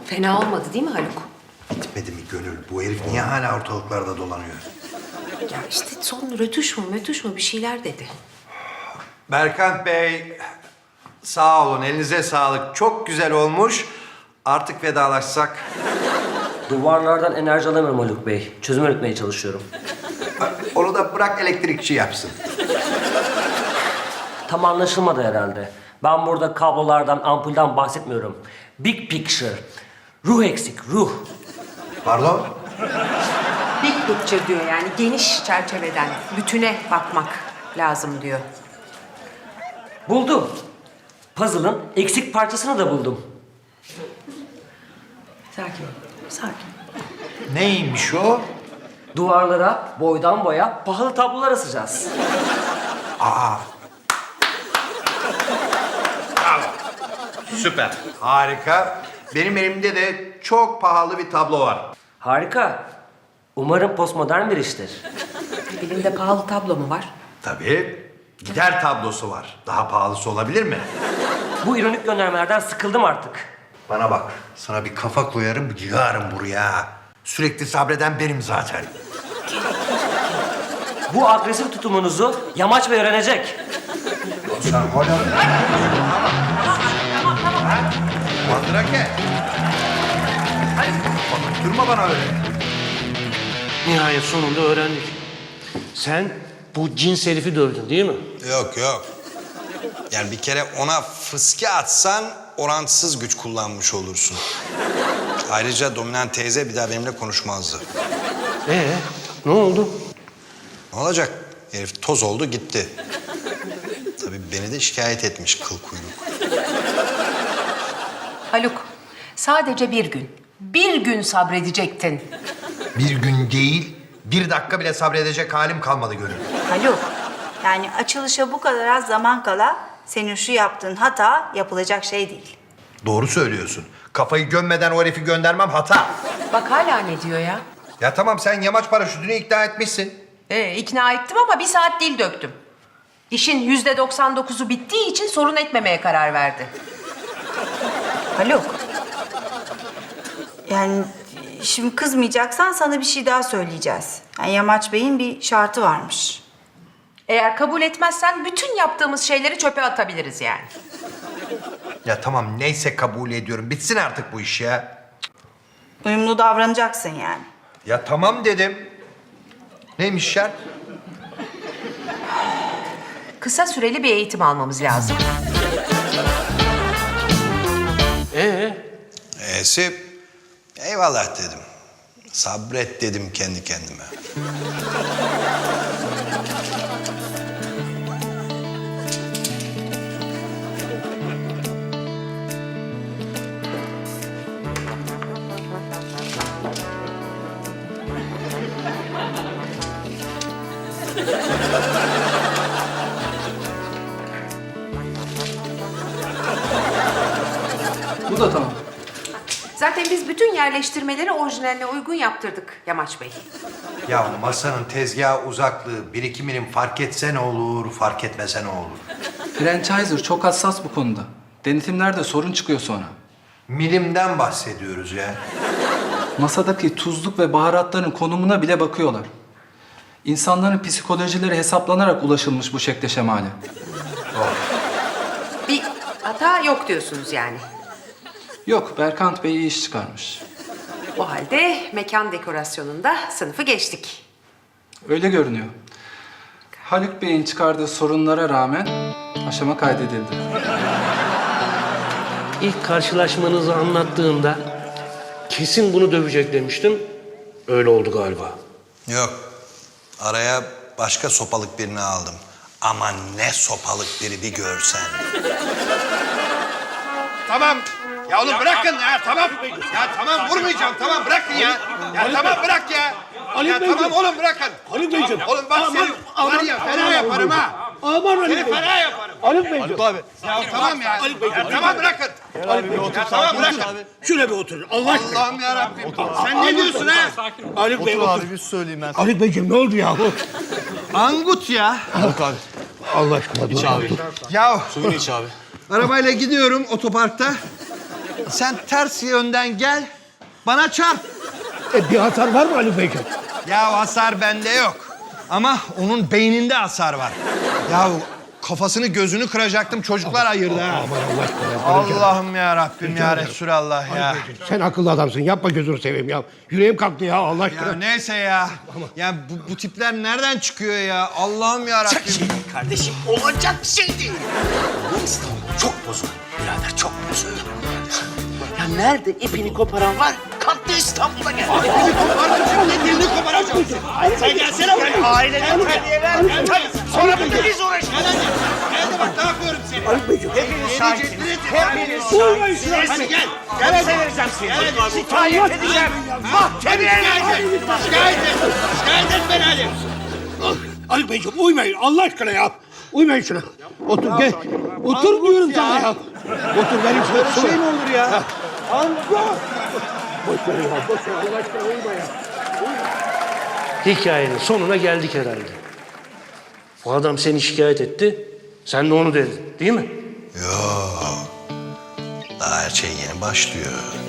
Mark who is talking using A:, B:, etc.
A: Fena olmadı değil mi Haluk?
B: Bitmedi mi Gönül? Bu herif niye hala ortalıklarda dolanıyor?
A: Ya işte son rötuş mu bir şeyler dedi.
B: Berkant Bey, sağ olun. Elinize sağlık. Çok güzel olmuş. Artık vedalaşsak.
C: Duvarlardan enerji alamıyorum Haluk Bey. Çözüm üretmeye çalışıyorum.
B: Onu da bırak elektrikçi yapsın.
C: Tam anlaşılmadı herhalde. Ben burada kablolardan, ampulden bahsetmiyorum. Big picture. Ruh eksik, ruh.
B: Pardon?
A: Big picture diyor yani geniş çerçeveden, bütüne bakmak lazım diyor.
C: Buldum. Puzzle'ın eksik parçasını da buldum.
A: Sakin, sakin.
B: Neymiş o?
C: Duvarlara boydan boya pahalı tablolar asacağız.
B: Süper. Harika. Benim elimde de çok pahalı bir tablo var.
C: Harika. Umarım postmodern bir iştir.
A: Elinde pahalı tablo mu var?
B: Tabii. Gider tablosu var. Daha pahalısı olabilir mi?
C: Bu ironik göndermelerden sıkıldım artık.
B: Bana bak. Sana bir kafa koyarım, yığarım buraya. Sürekli sabreden benim zaten.
C: Bu agresif tutumunuzu Yamaç Bey öğrenecek.
B: Sen hala... Mandrake. Bak, durma bana öyle.
D: Nihayet sonunda öğrendik. Sen bu cins herifi dövdün değil mi?
E: Yok yok. Yani bir kere ona fıske atsan orantısız güç kullanmış olursun. Ayrıca dominant teyze bir daha benimle konuşmazdı.
D: Ne oldu?
E: Ne olacak? Herif toz oldu gitti. Tabii beni de şikayet etmiş kıl kuyruk.
A: Haluk, sadece bir gün. Bir gün sabredecektin.
B: Bir gün değil, bir dakika bile sabredecek halim kalmadı Gönül.
F: Haluk, yani açılışa bu kadar az zaman kala senin şu yaptığın hata yapılacak şey değil.
B: Doğru söylüyorsun. Kafayı gömmeden o herifi göndermem hata.
A: Bak hala ne diyor ya?
B: Ya tamam sen yamaç paraşütünü ikna etmişsin.
A: İkna ettim ama bir saat dil döktüm. İşin %99'u bittiği için sorun etmemeye karar verdi.
F: Haluk, yani şimdi kızmayacaksan sana bir şey daha söyleyeceğiz. Yani Yamaç Bey'in bir şartı varmış.
A: Eğer kabul etmezsen bütün yaptığımız şeyleri çöpe atabiliriz yani.
B: Ya tamam neyse kabul ediyorum. Bitsin artık bu iş ya.
F: Uyumlu davranacaksın yani.
B: Ya tamam dedim. Neymiş şart?
A: Kısa süreli bir eğitim almamız lazım.
E: E'si eyvallah dedim. Sabret dedim kendi kendime.
G: Bu da tamam.
A: Zaten biz bütün yerleştirmeleri orijinaline uygun yaptırdık Yamaç Bey.
B: Ya masanın tezgaha uzaklığı, birikiminin fark etse ne olur, fark etmese ne olur?
G: Franchiser çok hassas bu konuda. Denetimlerde sorun çıkıyor sonra.
B: Milimden bahsediyoruz ya.
G: Masadaki tuzluk ve baharatların konumuna bile bakıyorlar. İnsanların psikolojileri hesaplanarak ulaşılmış bu şekle şemale.
A: Bir hata yok diyorsunuz yani.
G: Yok, Berkant Bey iyi iş çıkarmış.
A: O halde mekan dekorasyonunda sınıfı geçtik.
G: Öyle görünüyor. Haluk Bey'in çıkardığı sorunlara rağmen aşama kaydedildi.
D: İlk karşılaşmanızı anlattığımda kesin bunu dövecek demiştim. Öyle oldu galiba.
E: Yok. Araya başka sopalık birini aldım. Ama ne sopalık biri bir görsen.
B: Tamam. Ya oğlum bırakın ya tamam. Ya tamam vurmayacağım tamam bırakın ya. Ya tamam bırak ya. Ya tamam oğlum bırakın.
H: Haluk Beyciğim.
B: Oğlum bak seni var ya fena yaparım ha.
H: Aman Haluk
B: Seni
H: Bey.
B: fena yaparım.
H: Haluk Beyciğim.
E: Abi.
B: Ya tamam ya. Ya tamam bırakın. Ya tamam bırakın.
H: Şöyle bir oturun Allah aşkına.
B: Allah'ım yarabbim. Sen ne diyorsun ha?
H: Haluk Bey otur.
E: bir söyleyeyim ben.
H: Haluk Beyciğim ne oldu yahu?
B: Angut ya.
E: Haluk abi.
H: Allah aşkına dur.
E: İç abi.
B: Ya
E: Suyunu iç abi.
B: arabayla gidiyorum otoparkta.
E: Sen ters yönden gel, bana çarp.
H: Bir hasar var mı Ali Beyciğim?
E: Ya hasar bende yok. Ama onun beyninde hasar var. Ya kafasını gözünü kıracaktım, çocuklar ayırdı ha.
H: Aman Allah aşkına ya.
E: Allah'ım ya Rabbim ya Resulallah ya.
H: Sen akıllı adamsın. Yapma gözünü seveyim ya. Yüreğim kalktı ya Allah aşkına.
E: Ya neyse ya. Ya bu tipler nereden çıkıyor ya? Allah'ım ya Rabbim.
I: Kardeşim olacak şey değil. Bu İstanbul çok bozuk. Birader çok bozuk. Ya nerede ipini koparan var? Kalktı İstanbul'a geldi.
B: Dilini koparacağım.
I: Sen gelsene buraya. Aileden terbiye ver. Sonra biz uğraşacağız.
B: Hadi bak ne yapıyorum seni.
H: Ali Beyciğim.
I: Hepiniz şahitsiniz. Hepiniz
H: Uymayın
I: şahitsiniz.
B: Hadi gel.
I: Gel vereceğim seni. Şikayet edeceğim. Mahkemeye vereceğim.
B: Şikayet et. Şikayet et beni Ali.
H: Ali Beyciğim uymayın Allah aşkına ya. Uymayın şuna. Otur gel. Otur diyorum sana ya. Otur benim şöyle şey mi olur ya? Allah. Boş ver ya. Boş ver Allah aşkına uyma ya.
D: Hikayenin sonuna geldik herhalde. O adam seni şikayet etti. Sen de onu dedin, değil mi?
E: Yo. Daha her şey yeni başlıyor.